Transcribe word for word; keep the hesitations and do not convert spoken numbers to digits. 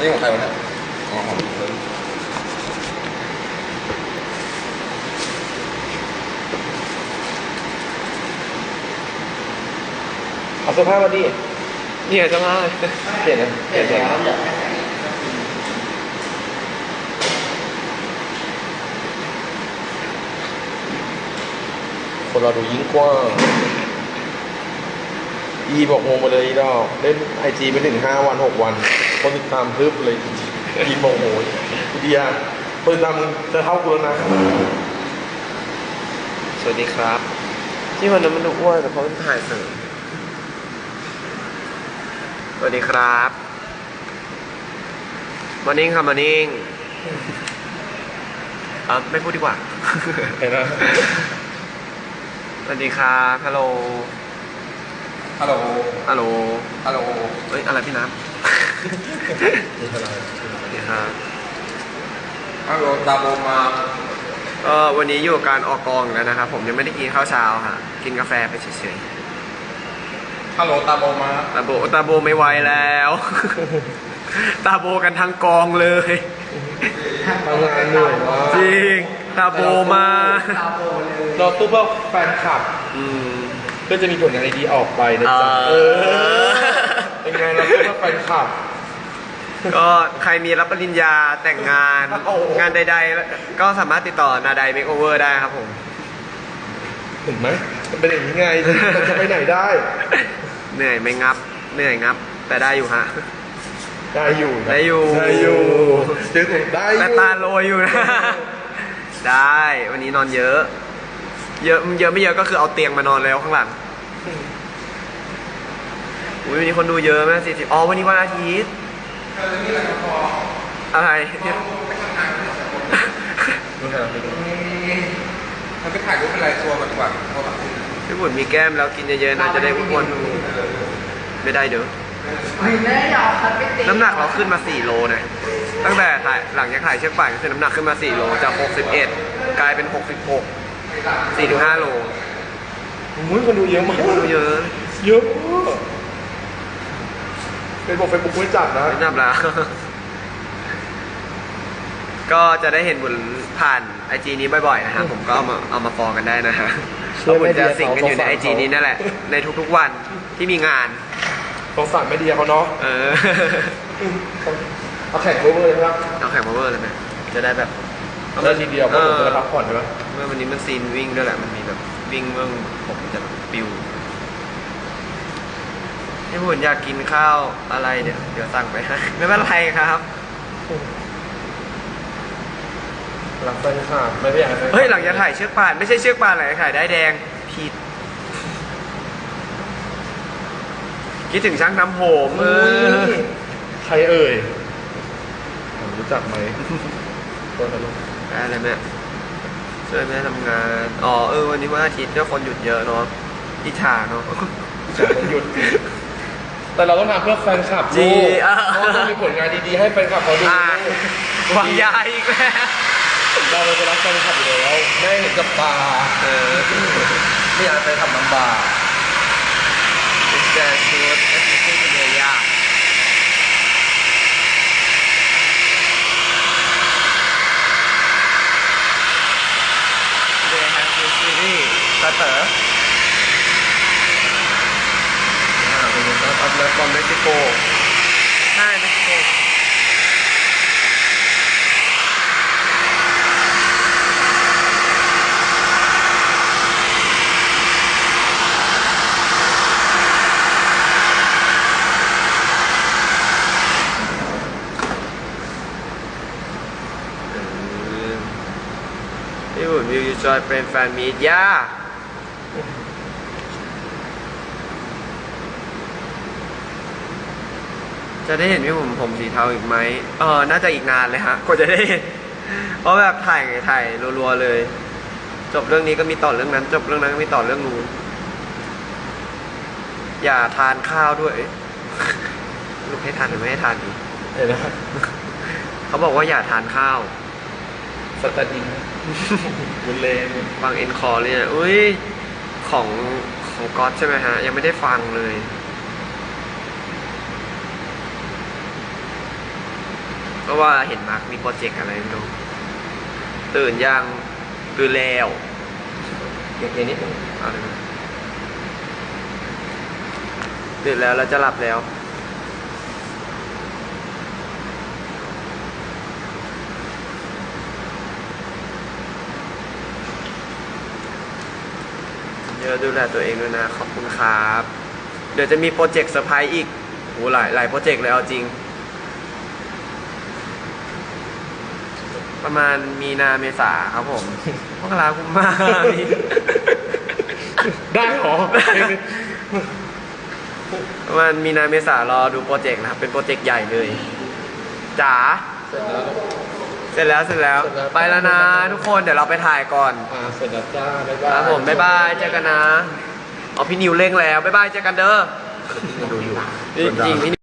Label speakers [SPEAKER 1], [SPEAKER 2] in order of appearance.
[SPEAKER 1] นี่ของใครวะเนี่ยอ๋อของเพิ่มเอาเสื้อผ้ามาดิเนี่ยเสื้อผ้าเปลี่ยนนะเปลี่ยนแล้วอยากให้ใส่คนเราดูยิ่งกว้างอีบอกงงมาเลยอีดอกเล่นไอจีไปถึงห้าวันหกวันคนติดตามพึบเลยอีบอกโอ้ยเดียคนติดตามจะเท่ากูแล้วนะสวัสดีครับที่วันนั้นมันดูอ้วนแต่เพราะมันถ่ายเสริมสวัสดีครับมานิ่งค่ะมานิ่งเออไม่พูดดีกว่าเห็นไหมสวัสดีครับฮัลโหลฮัลโหลฮัลโหลฮัลโหลเฮ้ยอะไรพี่น้ำสวัสดีครับฮัลโหลตาโบมาเออวันนี้อยู่กับการออกกองแล้วนะครับผมยังไม่ได้กินข้าวเช้าค่ะกินกาแฟไปเฉยๆฮัลโหลตาโบมาตาโบตาโบไม่ไหวแล้วตาโบกันทั้งกองเลยทำงานเหนื่อยมากจริงตาโบมาเราตู้เพื่อแฟนคลับเพื่อจะมีผลงานดีออกไปนะจ๊ะเออเป็นไงเราตู้เพื่อแฟนคลับก็ใครมีรับปริญญาแต่งงานงานใดๆก็สามารถติดต่อนาไดเมคโอเวอร์ได้ครับผมเห็นไหมมันเป็นอย่างนี้ไงจะไปไหนได้เหนื่อยไม่งับเหนื่อยงับแต่ได้อยู่ฮะได้อยู่ได้อยู่ได้อยู่เจอได้แต่ตาโรยอยู่นะได้วันนี้นอนเยอะเยอะเยอะไม่เยอะก็คือเอาเตียงมานอนแล้วข้างหลังวันนี้คนดูเยอะไหมสี่สิบอ๋อวันนี้วันอาทิตย์อะไรมันไปถ่ายรูปเป็นไรตัวมันดีกว่าพี่บุญมีแก้มแล้วกินเยอะๆนะจะได้อ้วนไม่ได้เด้อน้ำหนักเราขึ้นมาสี่โลนะตั้งแต่ถ่ายหลังจากถ่ายเชือกป่านก็คือน้ำหนักขึ้นมาสี่โลจากหกสิบเอ็ดกลายเป็นหกสิบหก สี่ถึงห้าโลมุ้ยคนดูเยอะมากคนดูเยอะเยอะเป็นบอกเฟซบุ๊กไม่จับนะไม่จับแล้วก็จะได้เห็นบุญผ่านไอจีนี้บ่อยๆนะฮะผมก็เอามาเอามาฟอลกันได้นะฮะเราบุญจะสิงกันอยู่ในไอจีนี้นั่นแหละในทุกๆวันที่มีงานสงสารไม่ดีเขาเนาะเออเอาแข่งเวอร์เลยครับเอาแข่งเวอร์เลยไหมจะได้แบบเอาได้ทีเดียวเพราะผมจะพักผ่อนใช่ไหมเมื่อวันนี้มันซีนวิ่งด้วยแหละมันมีแบบวิ่งเมื่อผมจะปิวพี่บุญอยากกินข้าวอะไรเดี๋ยวเดี๋ยวสั่งไปให้ไม่เป็นไรครับหลังไปค่ะไม่ได้อยากให้เฮ้ยหลังจะถ่ายเชือกป่านไม่ใช่เชือกป่านหลังจะถ่ายได้แดงผิดคิดถึงช่างน้ำผมเออใครเอ่ยรู้จักไหมตัวตลกอะไรแม่ช่วยแม่ทำงานอ๋อเออวันนี้วันอาทิตย์ก็คนหยุดเยอะเนาะอิจฉาเนาะคนหยุดแต่เราต้องทำเพื่อแฟนคลับจีเพราะต้องมีผลงานดีๆให้แฟนคลับเขาดูวางยาอีกแล้วเราจะรักแฟนคลับอยู่แล้วไม่เห็นกับตาเออไม่อยากไปทำลำบากแต่ชุดเอฟซีเป็นเลยยากเดย์แฮปปี้ซีรีส์สเตอร์อ่าเป็นสตาร์ทอัพบอลเม็กซิโกใช่เม็กซิโกพี่บุญวิวยูจอยเป็นแฟนมีดย่าจะได้เห็นพี่บุญผมสีเทาอีกไหมเออน่าจะอีกนานเลยฮะกว่าจะได้เห็นเพราะแบบถ่ายถ่ายรัวๆเลยจบเรื่องนี้ก็มีต่อเรื่องนั้นจบเรื่องนั้นก็มีต่อเรื่องนู้นอย่าทานข้าวด้วยลูกให้ทานหรือไม่ให้ทานดีเห็นไหมเขาบอกว่าอย่าทานข้าวสตาดินบุญเลนฟังเอ็นคอร์เนี่ยอุ้ยของของก๊อตใช่ไหมฮะยังไม่ได้ฟังเลย
[SPEAKER 2] เพราะว่าเห็นมาร์คมีโปรเจกต์อะไรไม่รู้ตื่นยังตื่นแล้ว
[SPEAKER 1] เก็บเย็นนิดนึง
[SPEAKER 2] เอาเลยตื่นแล้วเราจะหลับแล้วเดี๋ยวดูแลตัวเองด้วยนะขอบคุณครับเดี๋ยวจะมีโปรเจกต์เซอร์ไพรส์อีกโหหลายหลายโปรเจกต์เลยเอาจริงประมาณมีนาเมษาครับผมพวกเราคุ้มมาก
[SPEAKER 1] ได้หรอ
[SPEAKER 2] ประมาณมีนาเมษารอดูโปรเจกต์นะครับเป็นโปรเจกต์ใหญ่เลยจ๋าเสร็จแล้วเสร็จแล้วไปแล้วนะทุกคนเดี๋ยวเราไปถ่ายก่อน
[SPEAKER 1] อ่าเสร็จแล้วจ้าบ๊ายบาย
[SPEAKER 2] ครับผมบ๊ายบายเจอกันนะอ๋อพี่นิวเร่งแล้วบ๊ายบายเจอกันเด้อดูอยู่จริง